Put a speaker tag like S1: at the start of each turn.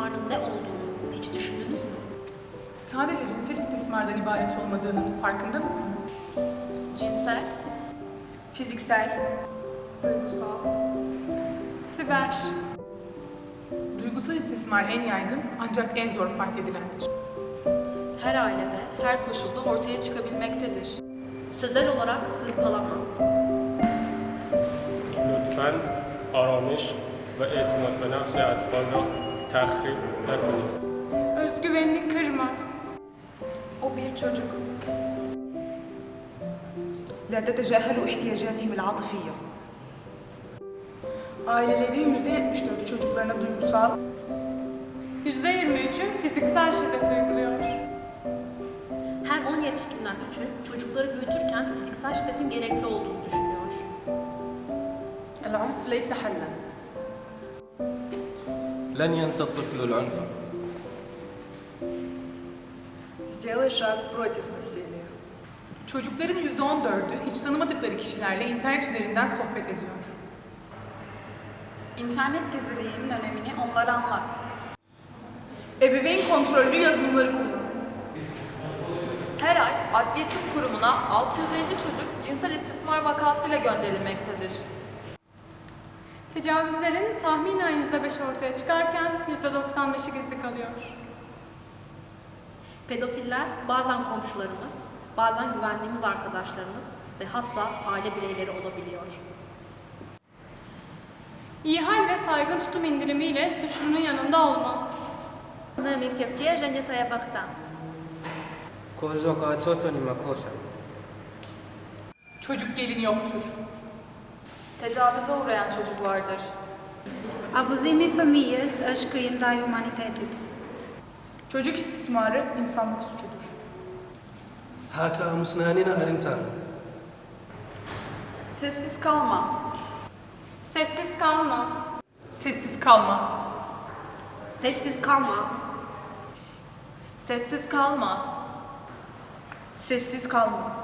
S1: istismarın ne olduğunu hiç düşündünüz mü?
S2: Sadece cinsel istismardan ibaret olmadığının farkında mısınız?
S1: Cinsel,
S2: Fiziksel,
S3: Duygusal. Siber.
S2: duygusal istismar en yaygın ancak en zor fark edilendir.
S1: her ailede, her koşulda ortaya çıkabilmektedir. Sözel olarak hırpalama,
S4: لطفاً آرامش و اعتماد به نفس اطفال را تخریب نکنید.
S3: Özgüvenini kırma.
S1: o bir çocuk.
S5: لا تتجاهلوا احتياجاتهم العاطفية.
S2: Ailelerin %74'ü çocuklarına duygusal,
S3: %23'ü fiziksel şiddet uyguluyor.
S1: Her 10 yetişkinden 3'ü çocukları büyütürken fiziksel şiddetin gerekli olduğunu düşünüyor.
S5: العنف ليس حلا.
S6: لن ينسى الطفل العنف.
S5: Сделай шаг против насилия.
S2: çocukların %14'ü hiç tanımadıkları kişilerle internet üzerinden sohbet ediyor.
S7: İnternet gizliliğinin önemini onlara anlat.
S2: Ebeveyn kontrollü yazılımları kullan.
S1: Her ay Adliye Tıp Kurumu'na 650 çocuk cinsel istismar vakasıyla gönderilmektedir.
S3: Tecavüzlerin tahminen %5 ortaya çıkarken %95'i gizli kalıyor.
S1: Pedofiller bazen komşularımız, bazen güvendiğimiz arkadaşlarımız ve hatta aile bireyleri olabiliyor.
S3: İyi hal ve saygın tutum indirimiyle suçlunun yanında olma.
S8: Mektepte және саябақта.
S9: Kozokatotoni makosa.
S2: Çocuk gelin yoktur.
S1: Tecavüze uğrayan çocuk vardır.
S8: Abuzimi famílias është krim ndaj humanitetit.
S2: Çocuk istismarı insanlık suçudur.
S9: Haka musnanina arintan.
S7: Sessiz kalma.
S3: Sessiz kalma.
S2: Sessiz kalma.
S1: Sessiz kalma.
S2: Sessiz kalma. Sessiz kalma.